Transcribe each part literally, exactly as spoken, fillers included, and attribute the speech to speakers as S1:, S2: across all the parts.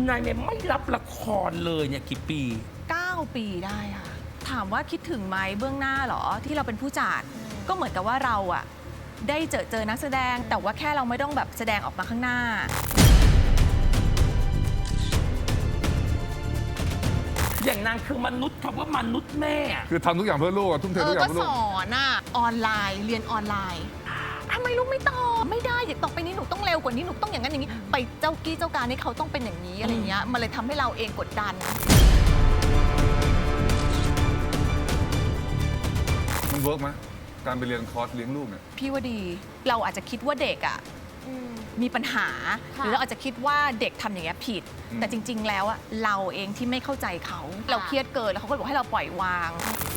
S1: นายเมย์ไม่รับละครเลยเนี่ยกี่ปี
S2: เก้าปีได้ค่ะถามว่าคิดถึงไหมเบื้องหน้าเหรอที่เราเป็นผู้จัดก็เหมือนกับว่าเราอะได้เจอเจอนักแสดงแต่ว่าแค่เราไม่ต้องแบบแสดงออกมาข้างหน้า
S1: อย่างนางคือมนุษย์คำว่ามนุษย์แม่
S3: คือทำทุกอย่างเพื่อลูกทุ่มเททุกอย่างเพื่อลูก
S2: ก็สอนอะออนไลน์เรียนออนไลน์ทำไมลูกไม่ตอบไม่ได้อย่าต่อไปนี้หนูต้องเร็วกว่านี้หนูต้องอย่างนั้นอย่างนี้ไปเจ้ากี้เจ้าการให้เขาต้องเป็นอย่างนี้อะไรเงี้ยมันเลยทำให้เราเองกดดัน
S3: มันเวิร์กไหมการไปเรียนคอร์สเลี้ยงลูกเนี่ย
S2: พี่ว่าดีเราอาจจะคิดว่าเด็กอ่ะมีปัญหาหรือเราอาจจะคิดว่าเด็กทำอย่างเงี้ยผิดแต่จริงๆแล้วอะเราเองที่ไม่เข้าใจเขาเราเครียดเกินแล้วเขาก็บอกให้เราปล่อยวาง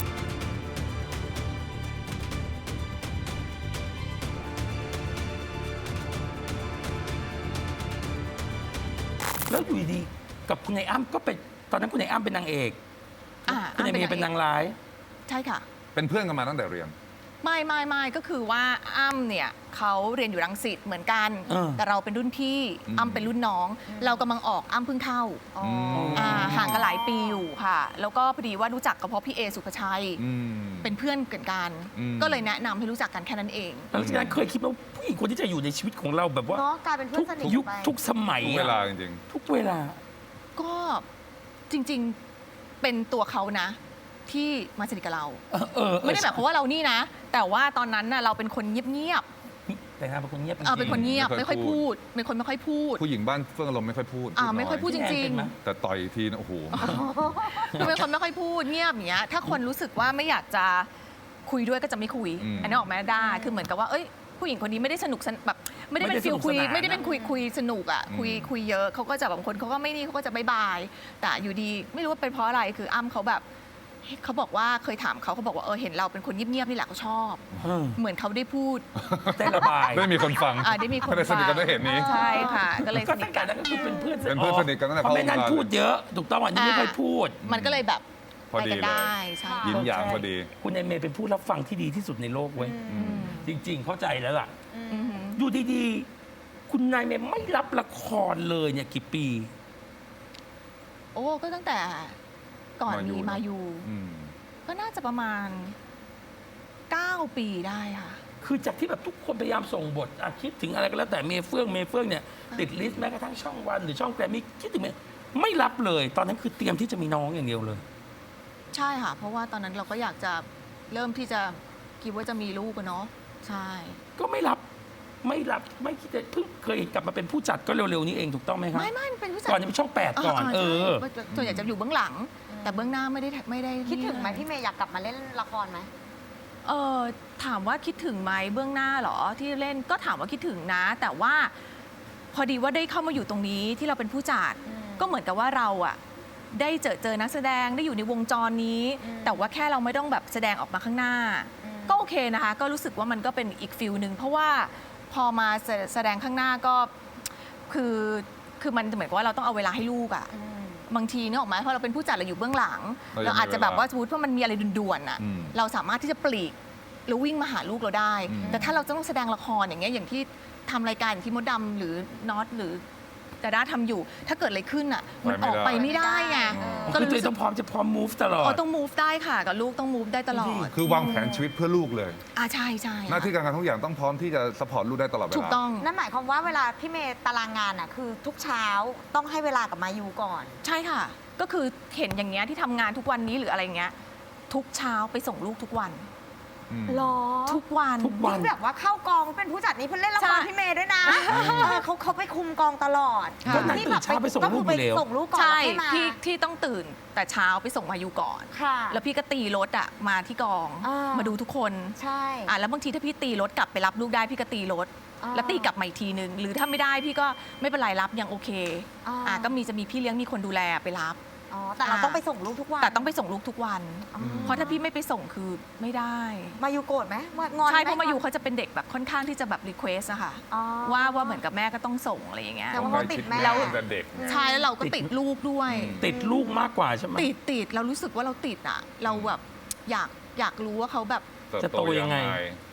S1: แล้วอยู่ดีกับคุณนายอ้ำก็เป็นตอนนั้นคุณนายอ้ำเป็นนางเอกคุณนายเมย์เป็นนางร้าย
S2: ใช่ค่ะ
S3: เป็นเพื่อนกันมาตั้งแต่เรียน
S2: ไม่ไม่ไม่ก็คือว่าอ้ำเนี่ยเขาเรียนอยู่รังสิตเหมือนกันแต่เราเป็นรุ่นพี่อ้ำเป็นรุ่นน้องเรากำลังออกอ้ำเพิ่งเข้าห่างกันหลายปีอยู่ค่ะแล้วก็พอดีว่ารู้จักกับเพราะพี่เอสุภชัยเป็นเพื่อนกันกันก็เลยแนะนำให้รู้จักกันแค่นั้นเอง
S1: หลังจากนั้นเคยคิดว่าผู้หญิงคนที่จะอยู่ในชีวิตของเราแบบว่าก
S4: ลายเป็นเพื่อนสนิท
S1: ยุคทุกสมัย
S3: ทุกเวลาจริง
S1: ๆทุกเวลา
S2: ก็จริงๆเป็นตัวเขานะที่มาสนิทกับเราไม่ได้แบบเพราะว่าเรานี่นะแต่ว่าตอนนั้นน่ะเราเป็นคนเงียบ
S1: ๆแต่งานเป็นคนเงียบ
S2: เออเป็นคนเงียบไม่ค่อยพูดเป็นคนไม่ค่อยพูด
S3: ผู้หญิงบ้านเฟื่องอารมณ์ไม่ค่อยพูด
S2: อ่าไม่ค่อยพูดจริง
S3: ๆแต่ต่อยทีนะโอ้โห
S2: เป็นคนไม่ค่อยพูดเงียบอย่างเงี้ยถ้าคนรู้สึกว่าไม่อยากจะคุยด้วยก็จะไม่คุยอันนี้ออกมาได้คือเหมือนกับว่าเอ้ยผู้หญิงคนนี้ไม่ได้สนุกแบบไม่ได้เป็นฟิลคุยไม่ได้เป็นคุยคุยสนุกอ่ะคุยคุยเยอะเขาก็จะบางคนเขาก็ไม่นี่เขาก็จะบายบายแต่อยู่ดีไม่รู้ว่าเป็นเพราะอะไรคืออ้ำเขาแบบเขาบอกว่าเคยถามเขาเขาบอกว่าเออเห็นเราเป็นคนเงียบๆนี่แหละเขาชอบเหมือนเขาได้พูด
S1: ได้ระบาย
S3: ได้มีคนฟัง
S2: ได้มีคน
S3: ฟังสนิทกันด้วยเหตุนี้
S2: ใช่ค่ะก็เลย
S1: ก็ตั้งแต่นั้นก็คือเป็นเพื่อน
S3: เป็นเพื่อนสนิทกันตั้งแต่
S1: เพราะไม่นั้นพูดเยอะถูกต้องอันนี้ไม่ค่อยพูด
S2: มันก็เลยแบบ
S3: พอดี
S2: ได้ใช่
S3: ยิ้มหยางพอดี
S1: คุณนายเมย์เป็นผู้รับฟังที่ดีที่สุดในโลกเว้ยจริงๆเข้าใจแล้วล่ะอยู่ดีๆคุณนายเมย์ไม่รับละครเลยเนี่ยกี่ปี
S2: โอ้ก็ตั้งแต่ก่อนมีมายูก็น่าจะประมาณเก้าปีได้ค่ะ
S1: คือจากที่แบบทุกคนพยายามส่งบทคิดถึงอะไรก็แล้วแต่เมย์เฟื่องเมย์เฟื่องเนี่ยติดลิสต์แม้กระทั่งช่องวันหรือช่องแกรมมี่คิดถึงเมย์ไม่รับเลยตอนนั้นคือเตรียมที่จะมีน้องอย่างเดียวเลย
S2: ใช่ค่ะเพราะว่าตอนนั้นเราก็อยากจะเริ่มที่จะคิดว่าจะมีลูกกันเนาะใช่
S1: ก็ไม่รับไม่รับไม่คิดจะเพิ่งเคยกลับมาเป็นผู้จัดก็เร็วๆนี้เองถูกต้องไหมครับ
S2: ไม่ไม่เป็นผู้จัด
S1: ก่อนจะเป็นช่องแปดก่อนเออ
S2: ส่วนใหญ่จะอยู่เบื้องหลังแต่เบื้องหน้าไม่ได้ไม่ได้
S4: คิดถึงไหมพี่เมย์อยากกลับมาเล่นละครไหม
S2: เออถามว่าคิดถึงไหมเบื้องหน้าเหรอที่เล่นก็ถามว่าคิดถึงนะแต่ว่าพอดีว่าได้เข้ามาอยู่ตรงนี้ที่เราเป็นผู้จัดก็เหมือนกับว่าเราอะได้เจอเจอนักแสดงได้อยู่ในวงจรนี้แต่ว่าแค่เราไม่ต้องแบบแสดงออกมาข้างหน้าก็โอเคนะคะก็รู้สึกว่ามันก็เป็นอีกฟิลหนึ่งเพราะว่าพอมาแสดงข้างหน้าก็คือคือมันเหมือนกับว่าเราต้องเอาเวลาให้ลูกอะบางทีนึกออกไหมเพราะเราเป็นผู้จัดเราอยู่เบื้องหลังเราอาจจะแบบว่าสมมติว่ามันมีอะไรด่วนๆอ่ะเราสามารถที่จะปลีกแล้ววิ่งมาหาลูกเราได้แต่ถ้าเราต้องแสดงละครอย่างเงี้ยอย่างที่ทำรายการอย่างที่มดดำหรือน็อตหรือแต่ด้าทำอยู่ถ้าเกิดอะไรขึ้นอ่ะมันออกไปไม่ได้ไง
S1: ก็เลยต้องพร้อมจะพร้อม move ตลอด
S2: อ๋อต้อง move ได้ค่ะกับลูกต้อง move ได้ตลอด
S3: คือวางแผนชีวิตเพื่อลูกเลย
S2: อ่าใช่ใช่
S3: หน้าที่การงานทุกอย่างต้องพร้อมที่จะ support ลูกได้ตลอดเวลา
S2: ถูกต้อง
S4: นั่นหมายความว่าเวลาพี่เมย์ตารางงานอ่ะคือทุกเช้าต้องให้เวลากับมายูก่อน
S2: ใช่ค่ะก็คือเห็นอย่างเงี้ยที่ทำงานทุกวันนี้หรืออะไรเงี้ยทุกเช้าไปส่งลูกทุกวัน
S4: หรอ
S2: ทุกวัน
S1: ทุกวัน
S4: แบบว่าเข้ากองเป็นผู้จัดนี้เพิ่งเล่นละครพี่เมย์ด้วยนะเขาเขาไปคุมกองตลอด
S1: ที่แบบไปส่งลูกไป
S4: ส่งลูกก่อน
S2: ใช่พี่ที่ต้องตื่นแต่เช้าไปส่งมายูก่อนแล้วพี่ก็ตีรถอ่ะมาที่กองมาดูทุกคน
S4: ใช่
S2: อ่ะแล้วบางทีถ้าพี่ตีรถกลับไปรับลูกได้พี่ก็ตีรถแล้วตีกลับมาอีกทีนึงหรือถ้าไม่ได้พี่ก็ไม่เป็นไรรับยังโอเคอ่ะก็มีจะมีพี่เลี้ยงมีคนดูแลไปรับ
S4: แต่เราต้องไปส่งลูกทุกวัน
S2: แต่ต้องไปส่งลูกทุกวันเพราะถ้าพี่ไม่ไปส่งคือไม่ได้
S4: มายูโกรธไหมงอน
S2: ใช่เพราะมายูเขาจะเป็นเด็กแบบค่อนข้างที่จะแบบรีเควสอะค่ะว่าว่าเหมือนกับแม่ก็ต้องส่งอะไรอย่างเงี้ย
S4: แต่ว่าเขาติดแม่
S3: แล้ว
S2: ใช่แล้วเราก็ติดลูกด้วย
S1: ติดลูกมากกว่าใช่ไหม
S2: ติดติดเรารู้สึกว่าเราติดอะเราแบบอยากอยากรู้ว่าเขาแบบ
S1: จะโตยังไง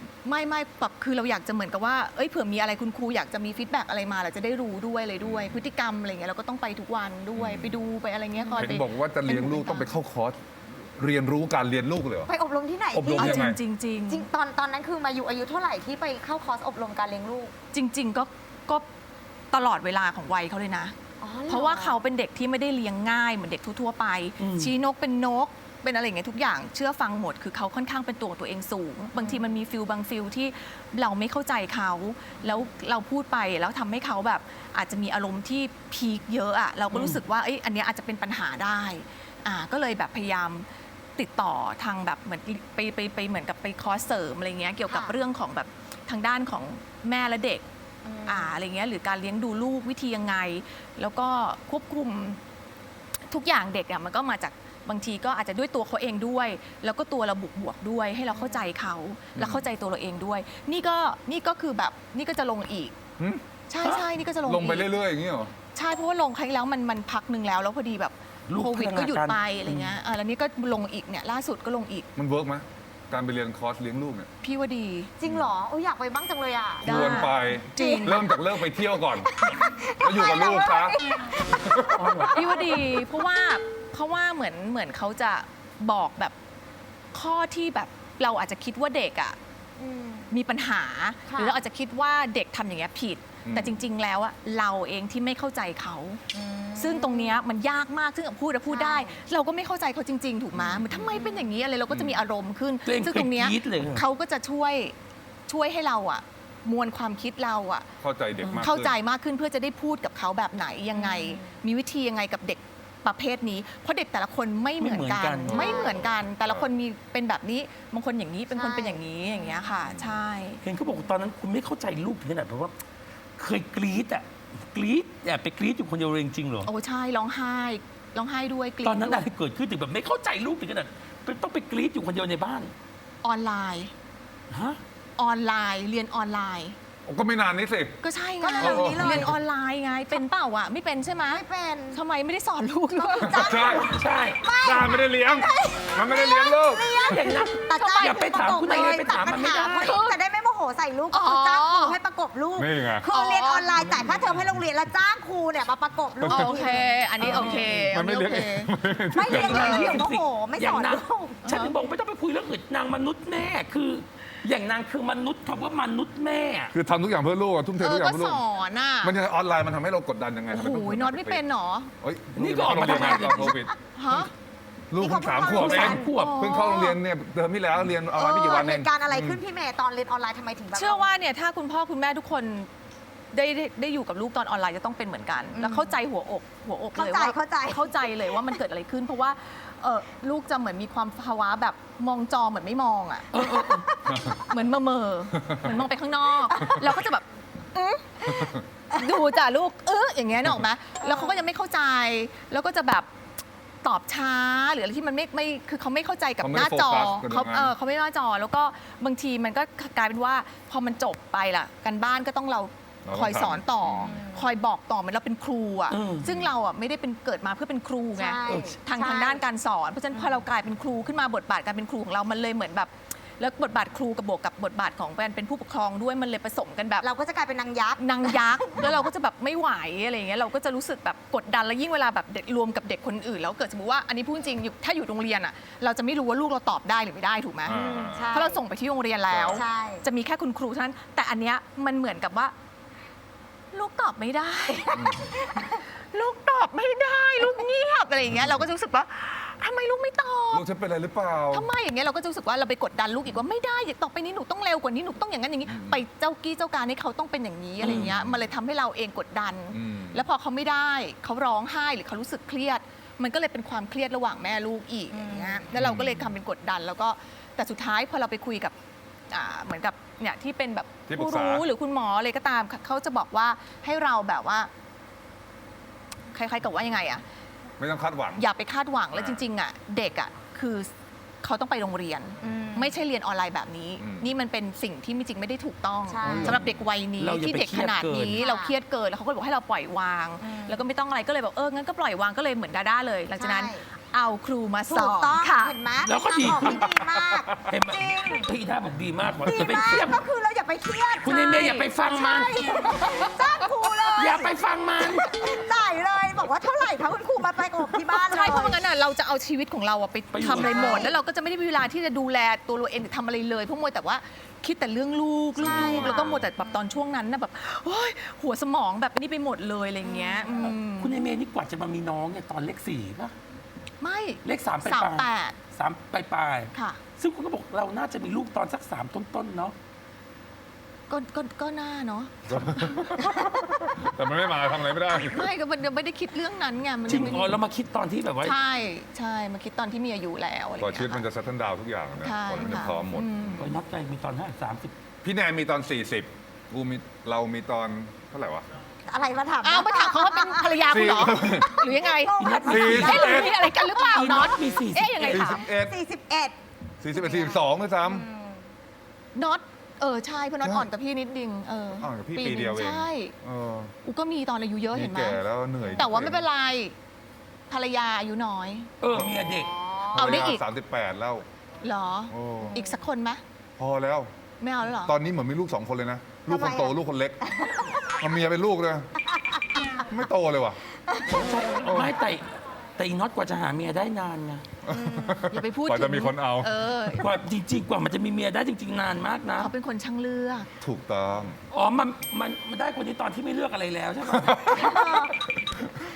S2: ไม่ไม่แบบคือเราอยากจะเหมือนกับว่าเอ้ยเผื่อมีอะไรคุณครูอยากจะมีฟีดแบ็กอะไรมาเราจะได้รู้ด้วยเลยด้วย พฤติกรรมอะไรเงี้ยเราก็ต้องไปทุกวันด้วยไปดูไปอะไรเงี้ยคอย
S3: เห็
S2: ไป
S3: นบอกว่าจะเลี้ยงลูกต้องไปเข้าคอร์สเรียนรู้การเลี้ยงลูกเลยเหรอ
S4: ไปอบรมที่ไหน
S3: อบรม
S4: พี่
S3: ยังไง
S2: จริงจริง
S4: จริงตอนตอนนั้นคือมาอยู่อายุเท่าไหร่ที่ไปเข้าคอร์สอบรมการเลี้ยงลูก
S2: จริง ๆ ก็ก็ตลอดเวลาของวัยเขาเลยนะ
S4: อ๋อหอ
S2: เพราะว่าเขาเป็นเด็กที่ไม่ได้เลี้ยงง่ายเหมือนเด็กทั่วๆไป
S1: อืม
S2: ชี้นกเป็นนกเป็นอะไรอย่างเงี้ยทุกอย่างเชื่อฟังหมดคือเขาค่อนข้างเป็นตัวของตัวเองสูง บางทีมันมีฟิลบางฟิลที่เราไม่เข้าใจเขาแล้วเราพูดไปแล้วทำให้เขาแบบอาจจะมีอารมณ์ที่พีคเยอะอะเราก็รู้สึกว่าเอ้ยอันเนี้ยอาจจะเป็นปัญหาได้อ่าก็เลยแบบพยายามติดต่อทางแบบเหมือนไปไปไปเหมือนกับไปคอร์สเสริมอะไรเงี้ยเกี่ยวกับ
S4: ค่ะ
S2: เรื่องของแบบทางด้านของแม่และเด็ก
S4: อืม
S2: อ่าอะไรเงี้ยหรือการเลี้ยงดูลูกวิธียังไง แล้วก็ควบคุมทุกอย่างเด็กอ่ะมันก็มาจากบางทีก็อาจจะด้วยตัวเขาเองด้วย แล้วก็ตัวเราบวกบวกๆด้วย ให้เราเข้าใจเขาและเข้าใจตัวเราเองด้วย นี่ก็นี่ก็คือแบบนี่ก็จะลงอีก
S3: หึ
S2: ใช่ใช่นี่ก็จะลง
S3: ลงไป
S2: อีก
S3: เรื่อยๆอย่างนี้เหรอ
S2: ใช่เพราะว่าลงครั้งที่แล้วมันมันพักหนึ่งแล้วแล้วพอดีแบบ
S1: ลูก
S2: โควิด
S1: พัฒนา
S2: ก็หยุด
S1: การ
S2: ไปอะไรเงี้ยอ่าแล้วนี่ก็ลงอีกเนี่ยล่าสุดก็ลงอีก
S3: มันเวิร์กไหมการไปเรียนคอร์สเลี้ยงลูกเนี่ย
S2: พี่ว่าดี
S4: จริงเหรอโอ้ยอยากไปบ้างจังเลยอ่ะ
S2: ได้
S3: ควรไป
S2: จริง
S3: เริ่มจากเลิกไปเที่ยวก่อนแล้วอยู่กับลูกซะ
S2: พี่ว่าดี เพราะว่าเพราะว่าเหมือนเหมือนเขาจะบอกแบบข้อที่แบบเราอาจจะคิดว่าเด็กอ่ะ
S4: อืม
S2: มีปัญหา
S4: ค่ะ
S2: หรือเราอาจจะคิดว่าเด็กทำอย่างเงี้ยผิด
S3: อืม
S2: แต่จริง ๆ แล้วอะเราเองที่ไม่เข้าใจเขา
S4: อืม
S2: ซึ่งตรงเนี้ยมันยากมากซึ่งพูดแล้วพูดได้
S4: ใช่
S2: เราก็ไม่เข้าใจเขาจริง ๆ ถูกไหมเหมือนทำไมเป็นอย่างนี้อะไรเราก็จะมีอารมณ์ขึ้น
S1: ตัวเอง
S2: ซึ่ง
S1: เค
S2: ต
S1: ย
S2: รง
S1: ก
S2: เนี้ย
S1: รี๊ดเลยค่ะ
S2: เขาก็จะช่วยช่วยให้เราอะมวลความคิดเราอะ
S3: เข้าใจเด็กมากขึ้น
S2: เข้าใจมากขึ้นเพื่อจะได้พูดกับเขาแบบไหนยังไง มีวิธียังไงกับเด็กประเภทนี้ เพราะเด็กแต่ละคนไม่เหมือนกัน
S1: ไม่เหมือนกัน
S2: ไม่เหมือนกัน แต่ละคนมีเป็นแบบนี้บางคนอย่างนี้เป็นคน
S4: ใช่
S2: เป็นอย่างนี้อย่างเงี้ยค่ะ ใช่
S1: เห็นเขาบอกว่าตอนนั้นคุณไม่เข้าใจลูกถึงขนาดแบบว่า เคยกรี๊ดอ่ะกรี๊ดแอบไปกรี๊ดอยู่คนเดียวเลยจริงๆเหรอ
S2: โอ้ใช่ร้องไห้ร้องไห้ด้วยกรี๊ด
S1: ตอนนั้น
S2: ด้
S1: อะ
S2: วย
S1: ไรเกิดขึ้นถึงแบบไม่เข้าใจลูกถึงขนาดต้องไปกรี๊ดอยู่คนเดียวในบ้าน
S2: ออนไลน์
S1: ฮะ
S2: ออนไลน์ เรียนออนไลน์
S3: ก็ไม่นานนี้สิ
S2: ก็ใช่ไง
S4: ก็เร็วๆนี้เลย
S2: เรียนออนไลน์ไงเป็นเปล่าอ่ะไม่เป็นใช่ไหม
S4: ไม่เป็น
S2: ทำไมไม่ได้สอนลูกเลย
S3: ใช่
S1: ใช่
S3: จ้าไม่ได้เลี้ยง มันไม่ได้เลี้ยงลูก
S1: อย่างนั้น
S4: แต่จ้าง
S1: อย่าไปถามคุณนายเลยไปถามมันไม่ได้
S4: ตัปัญหาเพราะจะได้ไม่โมโหใส่ลูกก็คือจ้างครูให้ประกบลูก
S3: นี่ไง
S4: คือเรียนออนไลน์จ่ายค่าเทอมให้โรงเรียนแล้วจ้างครูเนี่ยมาประกบลูก
S2: โอเค อันนี้โอเค
S3: มันไม่เลี้ยงเอง
S4: ไม่เลี้ยงเองเดี๋ยวโมโหไม่
S1: อ
S4: ส
S1: ย่าง
S4: อน
S1: นั้น
S4: ลูก
S1: ฉันถึงบอกไม่ต้องไปคุยเรื่องอื่นนางมนุษย์แม่คือ อย่างนางคือมนุษย์คำว่ามนุษย์แม่
S3: คือทำทุกอย่างเพื่อลูกอะทุ่มเท
S2: เอ
S3: ทุ
S2: อก
S3: อย่า
S2: ก็
S3: งเพื่อ
S2: ส
S3: ลูก
S2: อนอ่ะ
S3: มันจะออนไลน์มันทำให้เรากดดันยังไง
S2: โอ้
S3: ทำไม
S2: โห
S3: ต้อง
S2: น็อตไม่เป็นเหรอ
S3: เฮ้ย
S1: นี่ก็ออกมา
S3: ลูเข้โรงเรียน
S1: ทำงาน
S3: ตอนโควิด
S2: ฮะ
S3: ลูกเพิ่งสามขวบเอ
S1: สาง มขวบ
S3: เพิ่งเข้าโรงเรียนเนี่ยเทอมที่แล้วเรียนออนไลน์ไม่กี่วันเอ
S4: เห
S3: ง
S4: ตุการณ์อะไรขึ้นพี่เมย์ตอนเรียนออนไลน์ทำไมถึงแบบ
S2: เชื่อว่าเนี่ยถ้าคุณพ่อคุณแม่ทุกคนได้ได้ได้อยู่กับลูกตอนออนไลน์จะต้องเป็นเหมือนกัน แล้วเข้าใจหัวอกหัวอกเลย
S4: เข้าใจ
S2: ว่า
S4: เข้าใจ
S2: เข้าใจเลยว่ามันเกิดอะไรขึ้น เพราะว่าเออลูกจะเหมือนมีความภาวะแบบมองจอเหมือนไม่มองอ่ะเหมือนเมอเมอเหมือนมองไปข้างนอกเราก็จะแบบอื้อดูจ้ะลูกเอออย่างเงี้ยนึกออกไหมแล้วเขาก็ยังไม่เข้าใจ แล้วก็จะแบบตอบช้าหรืออะไรที่มันไม่ไม่คือเขาไม่เข้าใจกับ
S3: เขาไม่
S2: หน้า
S3: ได้
S2: จอ
S3: โฟกัสกับ
S2: เขา
S3: ตรงนั้น
S2: เออเขาไม่หน้าจอ แล้วก็บางทีมันก็กลายเป็นว่าพอมันจบไปล่ะกันบ้านก็ต้องเรา
S3: เราต้อง
S2: คอยสอนต่ออ
S4: ม
S2: คอยบอกต่อเหมือนเราเป็นครูอ่ะ
S1: อืม
S2: ซึ่งเราอ่ะไม่ได้เป็นเกิดมาเพื่อเป็นครูไง
S4: ใช่
S2: ทาง
S4: ใช่
S2: ทางด้านการสอนเพราะฉะนั้นพอเรากลายเป็นครูขึ้นมาบทบาทการเป็นครูของเรามันเลยเหมือนแบบ แล้วบทบาทครูกับบวกกับบทบาทของการเป็นผู้ปกครองด้วยมันเลยผสมกันแบบ
S4: เราก็จะกลายเป็นนางยักษ์
S2: นางยักษ์ แล้วเราก็จะแบบไม่ไหวอะไรอย่างเงี้ยเราก็จะรู้สึกแบบกดดันแล้วยิ่งเวลาแบบเด็กรวมกับเด็กคนอื่น แล้วเกิดสมมติว่าอันนี้พูดจริงอยู่ถ้าอยู่โรงเรียนอ่ะเราจะไม่รู้ว่าลูกเราตอบได้หรือไม่ได้ถูกไหม
S3: อ่า
S4: ใช่
S2: เพราะเราส่งไปที่โรงเรียนแล้ว
S4: ใช่
S2: จะมีแค่คุณครูเท่านั้น แต่อันเนี้ยมันเหมือนกับว่า ลูกตอบไม่ได้ ลูกตอบไม่ได้ ลูกเงียบอะไรอย่างเงี้ยเราก็จะรู้สึกว่าทำไมลูกไม่ตอบ
S3: ลูกฉันเป็นอะไรหรือเปล่า
S2: ทำไมอย่างเงี้ยเราก็จะรู้สึกว่าเราไปกดดันลูกอีกว่าไม่ได้อย่าต่อไปนี้หนูต้องเร็วกว่านี้หนูต้องอย่างนั้นอย่างนี้
S3: อืม
S2: ไปเจ้ากี้เจ้าการให้เขาต้องเป็นอย่างนี้อะไรอย่างเงี้ยมันเลยทำให้เราเองกดดัน
S3: อืม
S2: แล้วพอเขาไม่ได้เขาร้องไห้หรือเขารู้สึกเครียด มันก็เลยเป็นความเครียดระหว่างแม่ลูกอีกอย่างเงี้ยแล้วเราก็เลยทำเป็นกดดัน แล้วก็แต่สุดท้ายพอเราไปคุยกับอ่าเหมือนกับเนี่ยที่เป็นแบบ
S3: ที่ปรึ
S2: ผู้
S3: กษา
S2: รู้หรือคุณหมออะไรก็ตามเขาจะบอกว่าให้เราแบบว่าคล้ายๆกับว่ายังไงอะ
S3: ไม่ต้องคาดหวัง
S2: อย่าไปคาดหวังแล้ว
S3: อ่า
S2: จริงๆอ่ะเด็กอ่ะคือเขาต้องไปโรงเรียน
S4: อืม
S2: ไม่ใช่เรียนออนไลน์แบบนี้
S3: อืม
S2: นี่มันเป็นสิ่งที่จริงไม่ได้ถูกต้อง
S4: ใช่
S2: สำหรับเด็กวัยนี้
S1: เราอย่า
S2: ที่
S1: ไป
S2: เด็กขนาดนี้
S1: เครียดเกิน
S2: เราเครียดเกินแล้วเขาก็บอกให้เราปล่อยวาง
S4: อืม
S2: แล้วก็ไม่ต้องอะไรก็เลยบอกเอองั้นก็ปล่อยวางก็เลยเหมือนดาด้าเลย หลังจากนั้น
S4: ใช่
S2: เอาครูมาส
S4: ถู
S2: อก น
S4: ต้อง
S2: ค่ะ
S4: เห็นไหม
S1: แล้วก็ดี
S4: ทางออที่ดีมาก
S1: เห็นไหม
S4: จริง
S1: พี่ท่าบอกดีมากว่า
S4: ดี
S1: อย่าไป
S4: มา
S1: เครีย
S4: ก
S1: ด
S4: ก็คือเราอย่าไปเครียด
S1: คุณเอเมย์อย่าไปฟังมัน
S4: จ้างครูเลย
S1: อย่าไปฟังมัน
S4: จ่ายเลยบอกว่าเท่าไหร่คะคุณครูมาไปอบที่บ้านเลย
S2: ใช่เพราะไม่งั้นน่ะเราจะเอาชีวิตของเราอะไป
S1: ไปอยู่
S2: ทำอะไรหมด
S1: กับเขา
S2: แล้วเราก็จะไม่ได้มีเวลาที่จะดูแลตัวเราเองหรือทำอะไรเลยเพราะมัวแต่ว่าคิดแต่เรื่องลูกลู
S4: ใช่
S2: ก
S4: ค่ะ
S2: แล้วก็มัวแต่แบบตอนช่วงนั้นน่ะแบบโอ๊ยหัวสมองแบบนี้ไปหมดเลยอะไรเงี้ยอืม
S1: คุณเอเมย์นี่กว่าจะมามีน้องเนี่ยตอนเลขสี่ป่ะ
S2: ไม่
S1: เลขสามไป
S2: สาม
S1: ปลาย
S2: แปด
S1: สามปลายปลาย
S2: ค่ะ
S1: ซึ่งคุณก็บอกเราน่าจะมีลูกตอนสักสามต้นๆเนาะ
S2: ก็ก็ก็น่าเนาะ
S3: แต่มันไม่มาทำอะไรไม่ได้
S2: ไม่ก็มันยังไม่ได้คิดเรื่องนั้นไงมัน
S1: จริง
S2: ไม่
S1: อ๋อเรามาคิดตอนที่แบบว่า
S2: ใช่ใช่มาคิดตอนที่มีอายุแล้วอะไร
S3: ก่อน
S2: เงี้ย
S3: ชีวิตมันจะเซตเทิลดาวทุกอย่างนะ
S2: ใช่
S3: ก่อนมันจะ
S2: ค่ะ
S3: พร้อมหมด
S2: อืม
S1: โอ้ยนัดใจมีตอนห้าสามสิบ
S3: พี่แนนมีตอน สี่สิบ กูมีเรามีตอนเท่าไหร่วะ
S4: อะไรมาถาม
S2: อ้าวมาถามเขาว่าเป็นภรรยาคุณเหรอ หรือยังไง
S4: โอ้ย
S3: สี่
S2: เอ๊ะหรือมีอะไรกันหรือเปล่า
S1: อีน็
S2: น็
S1: อ
S2: อ
S1: ต
S2: ต
S1: มีสี่สิบ
S2: เอ๊ะยังไง
S3: สี่
S2: ถา
S3: สิ
S2: ม
S3: บเอ็ด
S4: สี่สิบเอ็ด
S3: สี่สิบเอ็ดสี่สิบสองด้วยซ้
S2: น็อตเออใช่เพราะน็อต
S3: ใช่
S2: อ่อนกับพี่นิดนึงเออ
S3: อ่อนกับพี่
S2: ห
S3: ปี
S2: นึ่
S3: เดียวเอง
S2: ใช่
S3: ำเออ
S2: กูก็มีตอนอายุเยอะ
S3: นี่
S2: เห็นไหม
S3: แก่แล้วเหนื่อย
S2: แต่ว่าไม่เป็นไรภรรยาอายุน้อย
S1: เออเมียเด็ก
S2: เอาได้อีก
S3: สามสิบแปดแล้ว
S2: เหรอ
S3: โอ้
S2: อีกสักคนไหม
S3: พอแล้ว
S2: ไม่เอาแล้วเหรอ
S3: ตอนนี้เหมือนมีลูกสองคนเลยนะ ลูกคนโต
S4: ทำไมอะ
S3: ลูกคนเล็กเอาเมียเป็นลูกเลยไม่โตเลยว่ะ
S1: ไม่แต่แต่อีน็อตกว่าจะหาเมียได้นานไง
S2: อย่าไปพูด
S3: กว่า
S2: ถึ
S3: จะ
S2: ง
S3: มีคนเอา
S2: เออก
S1: ว่าจริง ๆ กว่ามันจะมีเมียได้จริง ๆ นานมากนะ
S2: เขาเป็นคนช่างเลือก
S3: ถูกต้อง
S1: อ๋อมันมันมันได้คนนี้ตอนที่ไม่เลือกอะไรแล้วใช่ไหม